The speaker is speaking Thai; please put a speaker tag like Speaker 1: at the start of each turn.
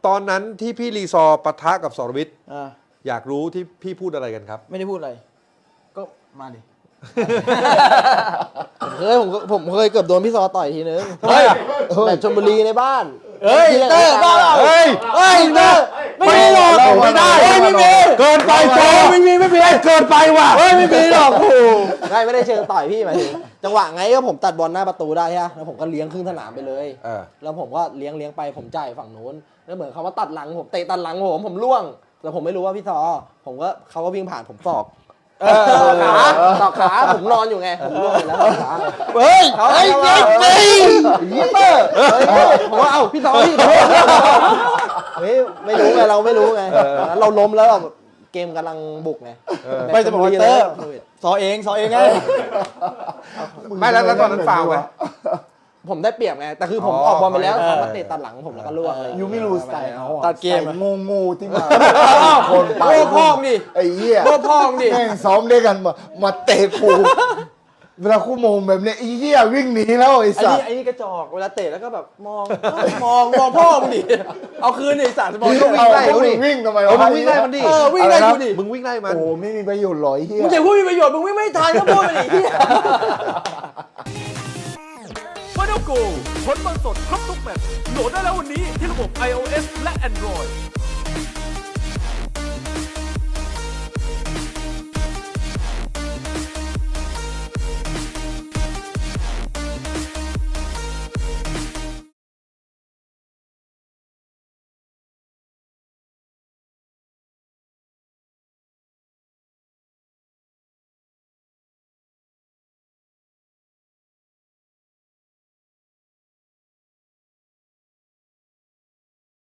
Speaker 1: ตอนนั้นที่พี่รีซอร์ปะทะกับสรวิทย์
Speaker 2: อ่า
Speaker 1: อยากรู้ที่พี่พูดอะไรกันครับ
Speaker 2: ไม่ได้พูดอะไร ก็มาดิ ผมเคยเกือบโดนพี่ซอต่อยทีนึง
Speaker 1: เฮ้ย
Speaker 2: แบบชลบุรีในบ้าน
Speaker 3: เฮ้ยเตอร์บ้าเปล่า
Speaker 1: เฮ้ย
Speaker 2: เฮ้ยเตอร์ไม่มีหรอก
Speaker 1: ไม่ได้
Speaker 2: ไม่มี
Speaker 1: เกินไปโจไม่มีเกินไปว่ะ
Speaker 2: เฮ้ยไม่มีหรอกโอ้ไม่ได้เชิงต่อยพี่หมายถึงจังหวะไงก็ผมตัดบอลหน้าประตูได้ฮะแล้วผมก็เลี้ยงครึ่งสนามไปเลย แล้วผมก็เลี้ยงไปผมจ่ายฝั่งนู้นแล้วเหมือนเขาว่าตัดหลังผมเตะตัดหลังผมล่วงแต่ผมไม่รู้ว่าพี่ซอเขาก็วิ่งผ่านผมศอกตอกขาผมนอนอยู่ไงผมล่วงไปแล้วตอกขาเฮ้ยเตอร์ผมว่าเอ้าพี่ซอพี่เฮ้ยไม่รู้ไงเราไม่รู้ไงเราล้มแล้วเกมกำลังบุกไง
Speaker 3: ไม่จะบอกว่าเตอร์ซอเองไง
Speaker 1: ไม่แล้วตอนนั้นฟาวไหม
Speaker 2: ผมได้เปรียบไงแต่คือผมออกบอลไปแล้วเขามาเตะตัดหลังผมแล้วก็ล่วงเลย
Speaker 4: ยูไม่รู้สไตล์เขา
Speaker 3: ตัดเกม
Speaker 4: งูที่มาคนไป
Speaker 2: โง่พ่องดิ
Speaker 4: ไอ้เหี้ย
Speaker 2: โง่พ่องดิ
Speaker 4: แม่งซ้อมด้วยกันมาเตะกูเวลาคู่โมงแบบเนี้ยไอ้เหี้ยวิ่งหนีแล้วไอ้สัส
Speaker 2: ไอ้นี่กระจอกเวลาเตะแล้วก็แบบมองพ่อมึงดิเอาคืนดิสารสมอง
Speaker 1: มึงวิ่งไล่เขาดิ
Speaker 4: วิ่งทำไม
Speaker 1: มึงวิ่งไล่มันดิ
Speaker 2: วิ่งไล่กูดิ
Speaker 1: มึงวิ่งไล่มัน
Speaker 4: โอ้ไม่มีประโยชน์หรอยเหี้ย
Speaker 2: มึงจะพูดมีประโยชน์มึงวิ่งไม่ทันก็พูดไปดิที่
Speaker 5: ฟาโนโกผลบอลสดครบทุกแมตช์โหลดได้แล้ววันนี้ที่ระบบ iOS และ Android